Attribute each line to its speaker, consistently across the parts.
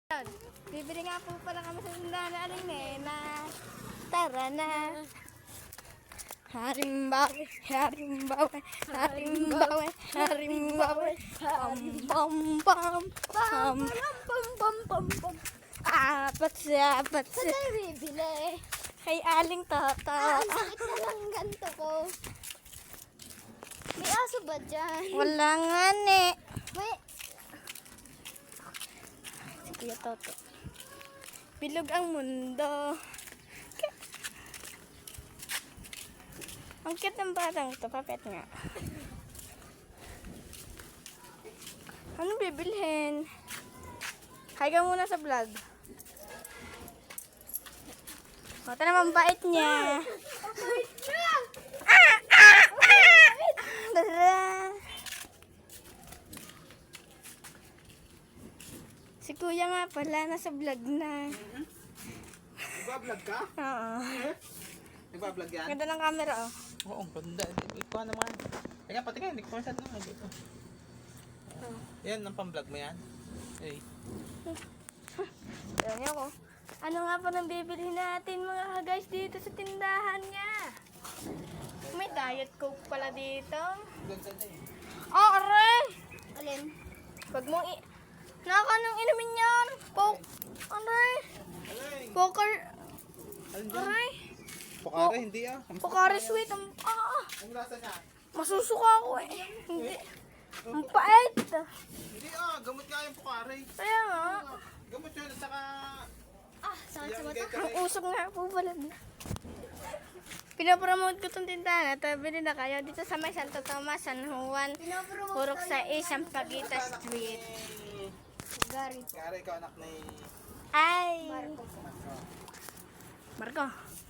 Speaker 1: Bibili nga po pala kami sa tindahan na aling Nena. Tara na. Harimbawe, harimbawe, harimbawe, harimbawe. Pam pam pam pam pam pam pam pam. Apat siya. Saan tayo bibili? Kay Aling Toto. Ang sakit na lang ganito ko. May aso ba dyan? Wala nga ne. May... Si Kuya Toto. Bilog ang mundo. Ang cute ng batang ito. Papet nga. Ano bibilhin? Hi ka muna sa vlog. Ito naman bait niya. Bait niya! Tara! Si Kuya nga pala, nasa vlog na.
Speaker 2: Nagbablog ka?
Speaker 1: Oo.
Speaker 2: Nagbablog yan?
Speaker 1: Ganda ng camera, oh.
Speaker 2: Oo, ang ganda. Ikaw naman. Teka, pati ka, hindi ko masyad naman dito. Yan, ang pang-vlog mo yan? Hey.
Speaker 1: Ayan niyo ko. Ano nga pa nang bibili natin mga guys dito sa tindahan niya? May diet coke pala dito.
Speaker 2: Ganda na eh.
Speaker 1: Oh, aray! Alin? Pag mong nakakanong inumin yan. Coke. Aray!
Speaker 2: Alay!
Speaker 1: Poker.
Speaker 2: Alin dyan?
Speaker 1: Aray!
Speaker 2: Pokare, hindi ah.
Speaker 1: Pokari sweet. Ang
Speaker 2: lasa niya?
Speaker 1: masusuka ako eh. Hindi. Ang pait.
Speaker 2: Hindi ah, gamot nga yung pokare.
Speaker 1: Kaya nga.
Speaker 2: Gamot yun, at saka...
Speaker 1: Sakit
Speaker 2: sa mata.
Speaker 1: Ang usok nga po pala. Pinapromote ko itong tindahan at bili na kayo dito sa may Santo Tomas, San Juan, Purok sa Sampaguita Street.
Speaker 2: Gary, ikaw anak ni...
Speaker 1: Ay! Marco.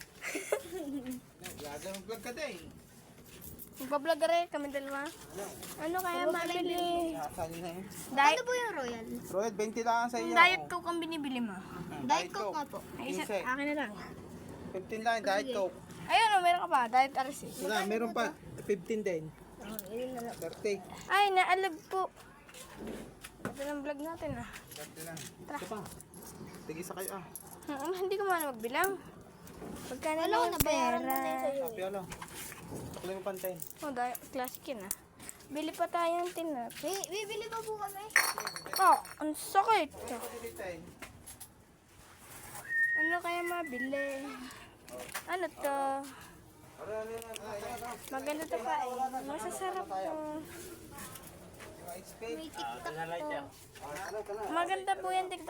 Speaker 2: Gaga, mag-vlog ka din.
Speaker 1: Magpa-vlog rin kami dalawa. Ano kaya mabili?
Speaker 2: Saan na yun?
Speaker 1: Ano po yung Royal?
Speaker 2: Royal, 20 lang sa iyo.
Speaker 1: Diet Coke ang binibili mo.
Speaker 2: Diet Coke nga po.
Speaker 1: Ay, akin na lang.
Speaker 2: 15 lang, Diet Coke.
Speaker 1: Ayun, meron ka pa. Diet RC.
Speaker 2: Wala, meron pa. 15 din. 30.
Speaker 1: Ay, naalag po. Ito ng vlog natin ah.
Speaker 2: 30 lang. Ito pa. Tigisa kayo ah.
Speaker 1: Hindi ko muna magbilang. Pagka na lang ang pera.
Speaker 2: Happy alo. Tuklay mo pantay.
Speaker 1: Oh, classic yun ah. Bili pa tayo ng tinap. Bibili pa po kami. Ang sakit. Ano kaya mabili? Ano to? Maganda to pa eh. Masasarap to. May TikTok to. Maganda po yan TikTok.